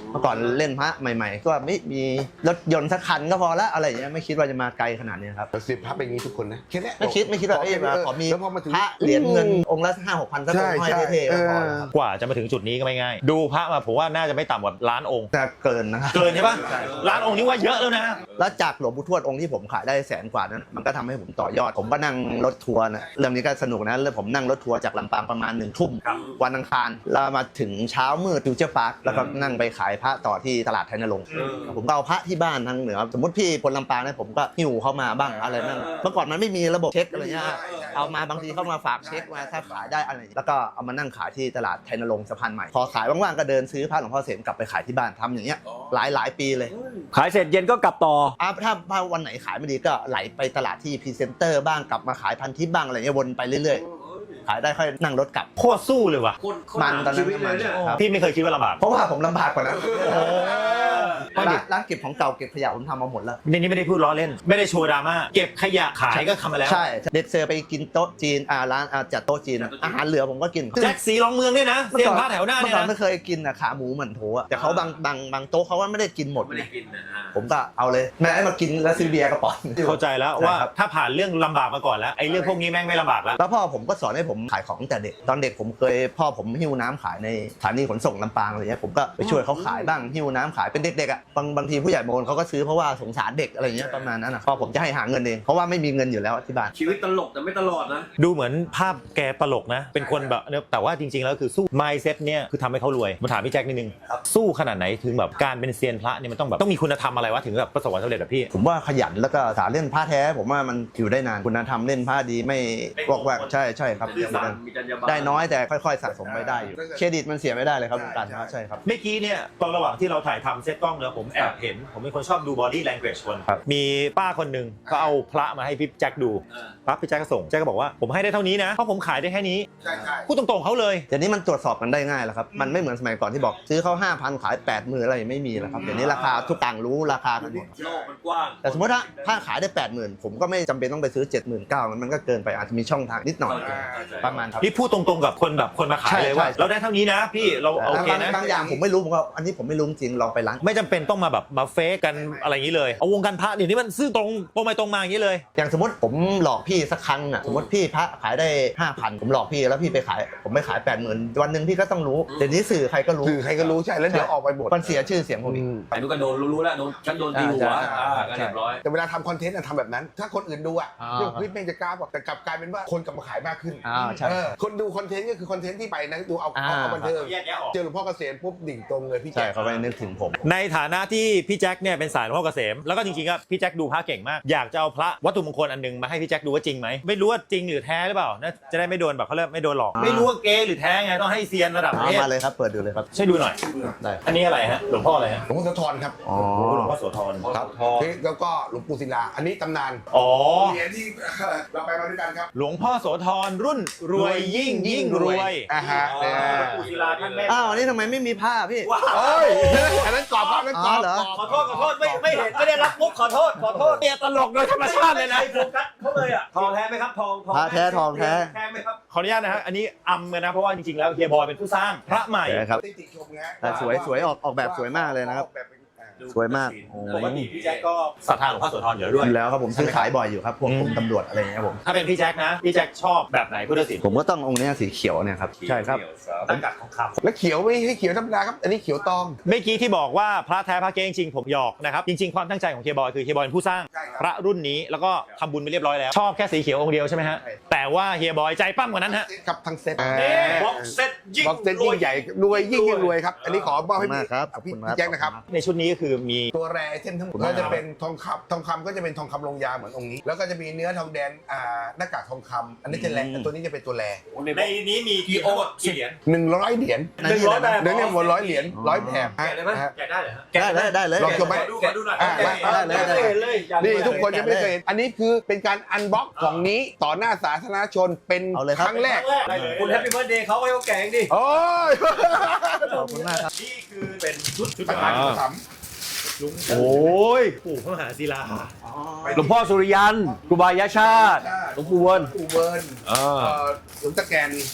[SPEAKER 2] เมื่อก่อนเล่นพระใหม่ ๆ ก็ไม่มีรถยนต์สักคันก็พอละอะไรอย่างเงี้ยไม่คิดว่าจะมาไกลขนาดนี้ครับ
[SPEAKER 3] แต่สิบพระเป็นอย่างนี้ทุกคนนะแค่เนี้ย
[SPEAKER 2] ไม่คิดไม่คิดว่าเอ้ยมาขอมี
[SPEAKER 3] แล้วพอมาถึง
[SPEAKER 2] พระเหรียญเงินองค์ละห้าหกพันสักองค์ห้อยเท่ๆก็พอแล้วครับ
[SPEAKER 1] กว่าจะมาถึงจุดนี้ก็ไม่ง่าย ดูพระมาผมว่าน่าจะไม่ต่ำกว่าล้านองค์
[SPEAKER 2] จะเกินนะครับ
[SPEAKER 1] เกินใช่ปะล้านองค์นี่ว่าเยอะแล้วนะ
[SPEAKER 2] แล้วจากหลวงปู่ทวดองค์ที่ผมขายได้แสนกว่านั้นมันก็ทำให้ผมต่อยอด ผมก็นั่งรถทัวร์นะเรื่องนี้ก็สนุกนะแล้วผมนั่งรถทัวร์จากลำปางประมาณหนึ่งทุ่มวันอังคารแล้วมาถึงเช้ามืดฟิวเจอร์พาร์คแล้วก็นั่งไปขายพระต่อที่ตลาดไทยนรงค์ผมก็เอาพระที่บ้านทางเหนือสมมติพี่คนลำปางเนี่ยผมก็หิ้วเข้ามาบ้างอะไรนั่นเมื่อก่อนมันไม่มีระบบเช็คอะไรเงี้ยเอามาบางทีเข้ามาฝากเช็คมาถ้าขายได้อะไรแล้วก็เอามานั่งขายที่ตลาดไทยนรงค์สะพานใหม่พอขายว่างๆก็เดินซื้อพระหลวงพ่อเสมกลับไปขายที่บ้านทำอย่างเงี้ยหลายหลายปีเลย
[SPEAKER 4] ขายเสร็จเย็นก็กลับต่อ
[SPEAKER 2] อ่ะถ้าถ้าวันไหนขายไม่ดีก็ไหลไปตลาดที่พรีเซนเตอร์บ้างกลับมาขายพันทิปบ้างอะไรเงี้ยวนไปเรื่อยๆขายได้ค่อยนั่งรถกลับ
[SPEAKER 1] โคตรสู้เลยว่ะ
[SPEAKER 2] มันตอนนั้นมันครับ
[SPEAKER 1] พี่ไม่เคยคิดว่าลำบาก
[SPEAKER 2] เพราะว่าผมลำบากกว่านั้น
[SPEAKER 1] โอ้
[SPEAKER 2] ร้านร้านเก็บของเก่าเก็บขยะผมทำมาหมดแล้ว
[SPEAKER 1] ในนี้ไม่ได้พูดล้อเล่น ไม่ได้โชว์ดราม่าเก็บขยะขายก็ทำมาแล้ว
[SPEAKER 2] ใช่เด็ดเซอร์ไปกินโต๊ะจีนอ่าร้านอ่าจัดโต๊ะจีนอ่ะอาหารเหลือผมก็กิน
[SPEAKER 1] แจ็คสีรองเมืองด้วยนะเตรียมผ้าแถวหน้า
[SPEAKER 2] เมื่
[SPEAKER 1] เนี่
[SPEAKER 2] อย ก่อน
[SPEAKER 1] นะ
[SPEAKER 2] ไม่เคยกินอ่ะขาหมูเหมือนโถอ่ะแต่เขาบางบางบางโต๊ะเขาว่าไม่ได้กินหมดไงผมก็เอาเลยแม่ให้มากินแล้วซื้อเบียร์กระป๋อง
[SPEAKER 1] เข้าใจแล้วว่า
[SPEAKER 2] ใช่ครับ
[SPEAKER 1] ถ้าผ่านเรื่องลำบากมาก่อนแล้วไอ้เรื่องพวกนี้แม่งไม่ลำบากแล้ว
[SPEAKER 2] แล้วพ่อผมก็สอนให้ผมขายของตั้งแต่เด็กตอนเด็กผมเคยพ่อผมหิ้วน้ำขายในสถานีขนส่งลำปางอะไรเงี้ยผมก็ไปช่วยเขาขายบ้างหิ้วน้ำขายเป็นเด็กๆอ่ะบางบางทีผู้ใหญ่บางคนเขาก็ซื้อเพราะว่าสงสารเด็กอะไรเงี้ยประมาณนั้นอ่ะพ่อผมจะให้หาเงินเองเพราะว่าไม่มีเงินอยู่แล้วที่บ้าน
[SPEAKER 4] ชีวิตตลกแต่ไม่ตลอดนะ
[SPEAKER 1] ดูเหมือนภาพแกตลกนะ เป็นคนแบบเนี่ยแต่ว่าจริงๆแล้วคือสู้ mindset เนี่ยคือทำให้เขารวยมาถามพี่แจ็คนิดนึงสู้ขนาดไหนถึงแบบการเป็นเซียนพระเนี่ยมันต้องแบบต้องมีคุณธรรมอะไรวะถึงแบบประสบความสำเร็จแบบพี่
[SPEAKER 2] ผมว่าขยันแล้วก็สาเล่นผ้าแท้ผมว่ามันอยู่ได้นานคุณธรรมเล่นผ้าดีไม่วอกแวกใช่ใช่ครับ
[SPEAKER 4] ซื่อสัตย์มีจรรยาบรรณ
[SPEAKER 2] ได้น้อยแต่ค่อยๆสะสมไปได้อยู่เครดิตมันเสียไม่ได้เลยครับการพระใช่ครับ
[SPEAKER 1] เมื่อกี้เนี่ยตอนระหว่างที่เราถ่ายทำเซตกล้องเนี่ยผมแอบเห็น ผมเป็นคนชอบดู body language คน
[SPEAKER 2] ครับ
[SPEAKER 1] มีป้าคนหนึ่งเขาเอาพระมาให้พี่แจ็คดูปั๊บพี่แจ็คก็ส่งแจ็คก็บอกว่าผมให้ได้เท่านี้นะเพราะผมขายได้แค่นี้
[SPEAKER 3] ใช่ใช่
[SPEAKER 1] พูดตรงๆเขาเลย
[SPEAKER 2] เดี๋ยวนี้มันตรวจสอบกันได้ง่ายแล้วครับมันไม่เหมือนสมัยก่อนที่บอกซื้อเขาห้าพันขายแปดหมื่นอะไรไม่มีแล้วครับเดี๋ยวนี้ราคาทุกต่างรู้ราคากันหมด
[SPEAKER 4] โลกมันกว้าง
[SPEAKER 2] แต่สมมติถ้าถ้าขายได้แปดหมื่นผมก็ไม่จำเป็นต้องไปซื้อเจ็ดหมื่นเก้ามันก็เกินไปอาจจะมีช่องทางนิดหน่อยประมาณครับ
[SPEAKER 1] นี่พูดตรงๆกับคนแบบคนมาขายเลยว่า
[SPEAKER 2] ใช่ใช่
[SPEAKER 1] เราได้เท่านี้นะพี่เราโอเค
[SPEAKER 2] บาง
[SPEAKER 1] นะ
[SPEAKER 2] บางอย่างผมไม่รู้ผมก็อันนี้ผมไม่รู้จริงลองไปร้าน
[SPEAKER 1] ไม่จำเป็นต้องมาแบบมาเฟกกันอะไรอย่างนี้เลยเอาวงการพระเดี๋ยวนี้มันซื่อตรงตรงไปตรงมาอย่างนี้เลย
[SPEAKER 2] อย่างสมมติผมหลอกพี่สักครั้งอ่ะสมมติพี่พระขายได้ห้าพันผมหลอกพี่แล้วพี่ไปขายผมไม่ขายแปดหมื่นวันหนึ่งพี่ก็ต้องรู้เดี๋ยวนี้สื่อใครก็รู้
[SPEAKER 3] สื่อใครก็รู้ใช่แล้วเดี๋ยวออกไปหมด
[SPEAKER 2] มันเสียชื่อเสียงผมอีก
[SPEAKER 4] ไอ้นู้นก็โดนรู้ๆแล้วโดนฉันโดนตีหัว
[SPEAKER 2] ใช่
[SPEAKER 4] อ่าก็เรียบร้อย
[SPEAKER 3] แต่เวลาทำคอนเทนต์อะทำแบบนั้น ถ้าคนอื่นดูอะ
[SPEAKER 2] อ่า
[SPEAKER 3] เรื่องคลิปแม่งจะกล้าบอกแต่กลับกลายเป็นว่าคนกลับมาขายมากขึ้น
[SPEAKER 2] อ่าใช่
[SPEAKER 3] เออคนดูคอนเทนต์ก็คือคอนเทนต์ที่ไปนะดูเอา
[SPEAKER 2] อ่า
[SPEAKER 3] เอาเอาบันเทิง
[SPEAKER 1] แยกแยะออก
[SPEAKER 3] เจอหลวงพ่อเกษมปุ๊บดิ่งตรงเลยพี่
[SPEAKER 2] ใช่
[SPEAKER 3] แจ๊ค
[SPEAKER 2] เขาไปนึกถึงผม
[SPEAKER 1] ในฐานะที่พี่แจ็คเนี่ยเป็นสายหลวงพ่อเกษมแล้วก็จริงๆก็พี่แจ็คดูพระเก่งมากอยากจะเอาพระวัตถุมงคลอันหนึงมาให้พี่แจ็คดูว่าจริงไหมไม่รู้ว่าจริงหรือแท้หรือเปล่านะจะได้ไม่โดนแบบเขาเรียกไม่โดนหลอก
[SPEAKER 2] อ่า
[SPEAKER 1] ไม่รู้ว่าเก๊หรือแท้ไงต้องให้เซียนระดับประ
[SPEAKER 2] เอา
[SPEAKER 1] เทศ
[SPEAKER 2] มาเลยครับเปิดดูเลยครับ
[SPEAKER 1] ช่วยดูหน่อย
[SPEAKER 2] ได้
[SPEAKER 1] อันนี้อะไรฮะหลวงพ่ออะไรฮะ
[SPEAKER 3] หลวงพ่อโสธรครับ
[SPEAKER 2] อ๋อ
[SPEAKER 1] หลวงพ่อโสธร
[SPEAKER 3] ครับแล้วก็หลวงปู่ศิลาอันนี้ตำนาน
[SPEAKER 1] อ๋อ
[SPEAKER 3] เหรียญที่เราไปมาด้วยกันครับ
[SPEAKER 1] หลวงพ่อโสธรรุ่นรวยยิ่งยิ่งรวย
[SPEAKER 3] อ่าฮะ
[SPEAKER 1] อ๋อหลวงปู่ศิลาท่านแม่
[SPEAKER 2] อ้าวอันนี้ทำไมไม่มีผ้าพี่
[SPEAKER 3] เอ้ยอันนั้นกรอบครับอันนั้นกรอบ
[SPEAKER 2] อ๋อเหรอ
[SPEAKER 1] ขอโทษขอโทษไม่ไม่เห็นไม่ได้รับมุกขอโทษขอโทษเนี่ยตลกโดยธรรมชาติเลยนะ
[SPEAKER 4] โฟกัสเขาเลยอ่ะทองแท้ไหมครับทองทอง
[SPEAKER 2] พระแท้ทองแท้
[SPEAKER 4] แท้ไหมครับ
[SPEAKER 1] ขออนุญาตนะฮะอันนี้อำกันนะเพราะว่าจริงๆแล้วเฮียบอยเป็นผู้สร้างพระใหม่
[SPEAKER 2] ใช่ครับ
[SPEAKER 3] ได้ติชมนะ
[SPEAKER 2] แต่สวยสวยออกออกแบบสวยมากเลยนะครับ
[SPEAKER 3] ออกแบบเป็นอ่า
[SPEAKER 2] สวยมาก
[SPEAKER 1] ปกติพี่แจ็คก็ศรัทธาหลวงพ่อโสธรอยู่แล้วด้วย
[SPEAKER 2] อยู่แล้วครับผมซื้อขายบ่อยอยู่ครับพวกกรมตำรวจอะไรอย่างเงี้ยผม
[SPEAKER 1] ถ้าเป็นพี่แจ็คนะพี่แจ็คชอบแบบไหนพุทธศิลป์
[SPEAKER 2] ผมก็ต้ององค์เนี้ยสีเขียวเนี่ยครับใช่ครับ
[SPEAKER 1] ตั้งกัดทองคำ
[SPEAKER 3] แล้วเขียวไม่ให้เขียวธรรมดาครับ อันนี้เขียวตอง
[SPEAKER 1] เมื่อกี้ที่บอกว่าพระแท้พระเก๊จริงๆผมหยอกนะครับจริงๆความตั้งใจของเฮียบอยคือเฮียบอยเป็นผู้สร้าง
[SPEAKER 3] ใช่ครับ
[SPEAKER 1] พระรุ่นนี้แล้วก็ทำบุญไปเรียบร้อยแล้วชอบแค่สีเขียวองค์เดียวใช่ไหมฮะแต่ว่าเฮียบอยใจปั้มกว่านั้นฮะ
[SPEAKER 3] ครับทั้งเซ็ต
[SPEAKER 1] บ็อกเซตยิ่ง
[SPEAKER 3] บ็อกเซ็ตยิ่งใหญ่รวยยิ่งยิ่งรวยครับ อันนี้ขอมอบให้
[SPEAKER 2] ขอบคุณมากครับ
[SPEAKER 3] พี่
[SPEAKER 2] ขอบคุณครับ
[SPEAKER 3] พี่แจ็คนะครับ
[SPEAKER 1] ในชุดนี้ก็คือมี
[SPEAKER 3] ตัวแรไอเทมทั้งหมด
[SPEAKER 2] ขอบคุณ
[SPEAKER 3] ก็
[SPEAKER 2] มาก
[SPEAKER 3] จะเป็นทองคำทองคำก็จะเป็นทองคำลงยาเหมือนองค์นี้ แล้วก็จะมีเนื้อทองแดงอ่าหน้ากากทองคำอันนี้จะแรตัวนี้จะเป็นตัวแร
[SPEAKER 1] ในนี้มีกี่โอกี่เหรียญ
[SPEAKER 3] หนึ่งร้อยเหรียญ
[SPEAKER 2] หนึ่งร้อยแบบ
[SPEAKER 3] เดี๋ยวนี้หมดร้อยเหรียญร้อยแถบ
[SPEAKER 4] แกะได้ไหม
[SPEAKER 3] ฮะ
[SPEAKER 4] แกะได้เหรอฮะ
[SPEAKER 2] ได้ได้ได้เลย
[SPEAKER 3] ลองชมไหม
[SPEAKER 4] แกะดูหน่อย
[SPEAKER 3] อ่า
[SPEAKER 4] แกะ
[SPEAKER 2] ได้เลยได้เลย
[SPEAKER 4] ไม่เห็นเลยอยากดู
[SPEAKER 3] นี่
[SPEAKER 4] เลย
[SPEAKER 3] ทุกคนยังไม่เคยเห็นอันนี้คือเป็นการอันบ็อกกล่องนี้ต่อหน้าสาธารณชนเป็น
[SPEAKER 2] เอาเลยครับ
[SPEAKER 3] ครั้งแรก
[SPEAKER 4] ได้เลยคุณแฮปปี้เบิร์ดเดย์เขาให้เขาแกะเองดิ
[SPEAKER 3] โอ้ย
[SPEAKER 2] ขอบคุณมากครับ
[SPEAKER 1] นี่คือเป็นชุดชุด
[SPEAKER 3] ประธานสาม
[SPEAKER 1] โอ้ยปู่พระมหาศิลา
[SPEAKER 4] หลวงพ่อสุริยันครูบายาชาติหลวงปู่เวิร์น
[SPEAKER 3] อูเบิร์น
[SPEAKER 4] อ่า
[SPEAKER 3] เอ่อหลวงตะแกน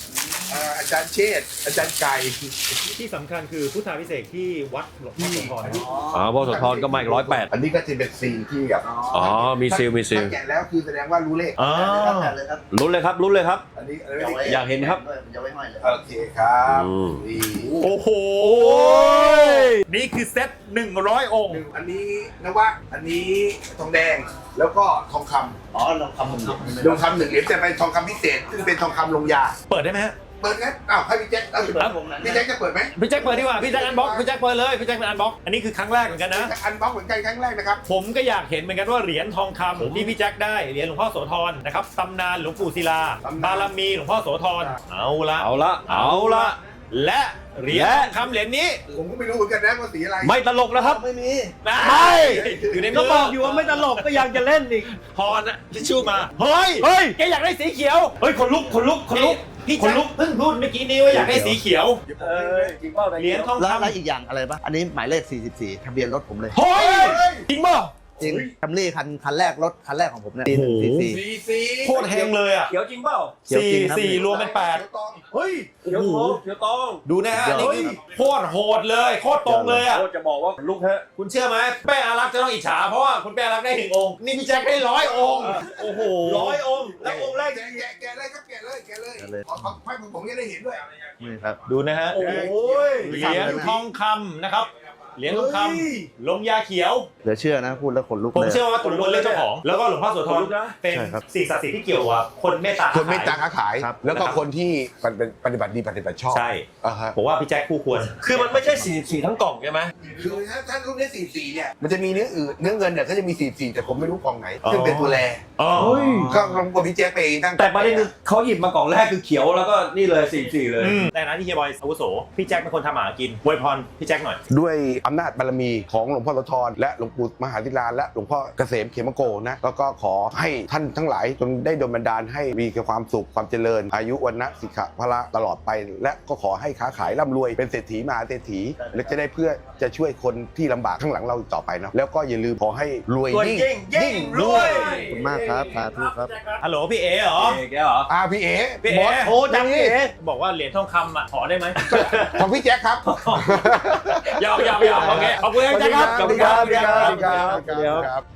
[SPEAKER 3] เอ่ออาจารย์เชษฐ์อาจารย์ไก่
[SPEAKER 1] ที่สำคัญคือพุทธาพิเศษที่วัดหลวงพ่อโสธร
[SPEAKER 4] อ๋อพอโสธรก็มาอีกร้อยแปด
[SPEAKER 3] อันนี้ก็จะเป็นซีนที่แบบ
[SPEAKER 4] อ๋อมีซิลมีซิล
[SPEAKER 3] ถ้าแกะแล้วคือแสดงว่ารู้เลข
[SPEAKER 1] อ๋อ
[SPEAKER 2] เลยครับ
[SPEAKER 4] ลุ้นเลยครับลุ้นเลยครับ
[SPEAKER 3] อันนี้อันนี้ไม่ได้
[SPEAKER 4] อยากเห็นครับ
[SPEAKER 2] จะไว้ห้อยเลย
[SPEAKER 3] โอเคครับ
[SPEAKER 4] อืม
[SPEAKER 3] นี่
[SPEAKER 1] โอ้โหนี่คือเซตหนึ่งร้อยองค์
[SPEAKER 3] อันนี้นวะอันนี้ทองแดงแล้วก็ทองค
[SPEAKER 2] อ๋อลองคำผม
[SPEAKER 3] ำทองคำหนึ่งเหรียญแต่เป็นทองคำพิเศษซึ่งเป็นทองคำลงยา
[SPEAKER 1] เปิดได้ไหมฮะ
[SPEAKER 3] เปิดงั้นอ้าวให้พี่แจ็คเอาสิ
[SPEAKER 1] ครับ
[SPEAKER 3] พี่แจ็คจะเปิดไหม
[SPEAKER 1] พี่แจ็คเปิดดีกว่าพี่แจ็คอันบ็อกพี่แจ็คเปิดเลยพี่แจ็คเป็นอันบ็อกอันนี้คือครั้งแรกเหมือนกันนะ
[SPEAKER 3] อันบ็อกเหมือนกันครั้งแรกนะครับ
[SPEAKER 1] ผมก็อยากเห็นเหมือนกันว่าเหรียญทองคำที่พี่แจ็คได้เหรียญหลวงพ่อโสธรนะครับตำนานหลวงปู่ศิลา
[SPEAKER 3] ตำนาน
[SPEAKER 1] บารมีหลวงพ่อโสธรเอาละ
[SPEAKER 4] เอาละเอาละ
[SPEAKER 1] และเหรียญทองคำเหรียญนี้
[SPEAKER 3] ผมก็ไม่รู้เหมือนกันนะว่าสีอะไร
[SPEAKER 4] ไม่ตลกแล้วครับ
[SPEAKER 2] ไม่มี
[SPEAKER 1] ไม่อยู่ในมื
[SPEAKER 4] ก็บอกอยู่ว่าไม่ตลกก็ยังจะเล่นอีก
[SPEAKER 1] พรนะทิชชู่มาเฮ้ย
[SPEAKER 4] เฮ้ย
[SPEAKER 1] แกอยากได้สีเขียว
[SPEAKER 4] เฮ้ยคนลุกคนลุกคนลุก
[SPEAKER 1] พี่
[SPEAKER 4] คน
[SPEAKER 1] แจ็ค
[SPEAKER 4] ลุก
[SPEAKER 1] เพิ่งพูดเมื่อกี้นี้ว่าอยากได้สีเขียว
[SPEAKER 4] เออจริงเปล่า
[SPEAKER 1] เหรียญทอง
[SPEAKER 2] แล้ว
[SPEAKER 1] คำ
[SPEAKER 2] แล้วอีกอย่างอะไรปะอันนี้หมายเลขสี่สิบสี่ทะเบียนรถผมเลย
[SPEAKER 1] เฮ้ยจริงป่ะ
[SPEAKER 2] จริงแคมรี่คันคันแรกรถคันแรกของผมเนี่ย
[SPEAKER 1] โอ้โห
[SPEAKER 2] สี่สี่
[SPEAKER 3] สีสี
[SPEAKER 1] โคตรแฮงเลยอ่ะ
[SPEAKER 4] เขียวจริงเปล่า
[SPEAKER 2] เขียว
[SPEAKER 1] สี่
[SPEAKER 2] จริงครับ
[SPEAKER 1] สี่รวมเป็นแปด
[SPEAKER 3] เขียวตอง
[SPEAKER 1] เฮ้ย
[SPEAKER 4] เขียวทองเขียวตอง
[SPEAKER 1] ดูนะฮะ
[SPEAKER 2] เดี๋ยว
[SPEAKER 1] นี่คือโคตรโหดเลยโคตรตรงเลยอ่ะ
[SPEAKER 4] โคตรจะบอกว่าลุกเถอะ
[SPEAKER 1] คุณเชื่อไหมเป้อารักษ์จะต้องอิจฉาเพราะว่าคุณเป้อารักษ์ได้หนึ่งองค์นี่พี่แจ็คได้ร้อยองค์โอ้โห
[SPEAKER 4] ร้อยองค์แล้วองค์แรก
[SPEAKER 3] แกะแกะแกะเลยครับแกะเลยแกะเลย
[SPEAKER 2] แกะเลย
[SPEAKER 3] ขอขอให้ผมผมจะได้เห็นด้วย
[SPEAKER 2] นี่ครับ
[SPEAKER 1] ดูนะฮะ
[SPEAKER 4] โอ้ย
[SPEAKER 1] เหรียญทองคำนะครับเหรียญทองค
[SPEAKER 3] เฮ้ย
[SPEAKER 1] ำลงยาเขียว
[SPEAKER 2] เหลือเชื่อนะพูดแล้วขนลุก
[SPEAKER 1] ผม
[SPEAKER 2] เลย
[SPEAKER 1] เชื่อว่าตุลวนเรียกเจ้าของ แล้วก็หลวงพ่อโสธรเป็น
[SPEAKER 2] ใช่ครับ
[SPEAKER 1] สิ่งศักดิ์สิทธิ์ที่เกี่ยวกับคนเมตตา
[SPEAKER 3] คนเมตตาค้าขาย
[SPEAKER 2] ครับ
[SPEAKER 3] แล้วก็คนที่ปฏิบัติปฏิบัติดีปฏิบัติชอบ
[SPEAKER 1] ใช่
[SPEAKER 3] อ่าฮะ
[SPEAKER 1] ผมว่าพี่แจ็คคู่ควร
[SPEAKER 4] คือมันไม่ใช่สี่สี่ทั้งกล่องใช่ไหม
[SPEAKER 3] คือถ้าถ้ารุ่นนี้สี่สี่เนี่ยมันจะมีเนื้ออื่นเนื้อเงินเนี่ยเขาจะมีสี่สี่แต่ผมไม่รู้กล่องไหน
[SPEAKER 1] อ๋อ
[SPEAKER 3] ซึ่งเป็นตัวแร
[SPEAKER 1] อ๋อ
[SPEAKER 3] ก็ลองกดพี่แจ๊คไปตั้ง
[SPEAKER 4] แต่ประเด็นคือเขาหยิบมากล่องแรกคือเขียวแล้วก็นี่เลยสี่สี่เลย
[SPEAKER 1] อืมในนั้นที่เฮียบอยอาวุโสพี่แจ็คเป็นคนทำหากินอวยพรพี่แจ็คหน่อย
[SPEAKER 3] ด้วยอำนาจบารมีของหลวงพ่อโสธรและหลวงปู่มหาธิราและหลวงพ่อเกษมเขมโกนะแล้วก็ขอให้ท่านทั้งหลายจงได้ดลบันดาลให้มีความสุขความเจริญ อายุวันนะสิกขะพละตลอดไป และก็ขอให้ค้าขายร่ำรวยเป็นเศรษฐีมหาเศรษฐีและจะได้เพื่อจะช่วยคนที่ลำบากข้างหลังเราต่อไปเนาะแล้วก็อย่าลืมขอให้รวย
[SPEAKER 4] รวย
[SPEAKER 3] ยิ่ง
[SPEAKER 4] ยิ่งยิ่งรวย
[SPEAKER 2] ขอบคุณมากครับสาธุครับ
[SPEAKER 1] ฮัลโหลพี่เอ๋เหรอ
[SPEAKER 4] เอ๋แกเหรอ
[SPEAKER 3] อ่าพี่เอ๋
[SPEAKER 1] พี่
[SPEAKER 3] บ
[SPEAKER 1] เอ๋
[SPEAKER 3] อส
[SPEAKER 4] โอ้จังนี่
[SPEAKER 1] บอกว่าเหรียญทองคำอ่ะขอได้ไหม
[SPEAKER 3] ของพี่แจ๊คครับ
[SPEAKER 1] ยาวยาวยาวโอเคขอบคุณครับแจ็คครับ
[SPEAKER 3] สวัสดีครับสวัสดีครับสวัสดีครับ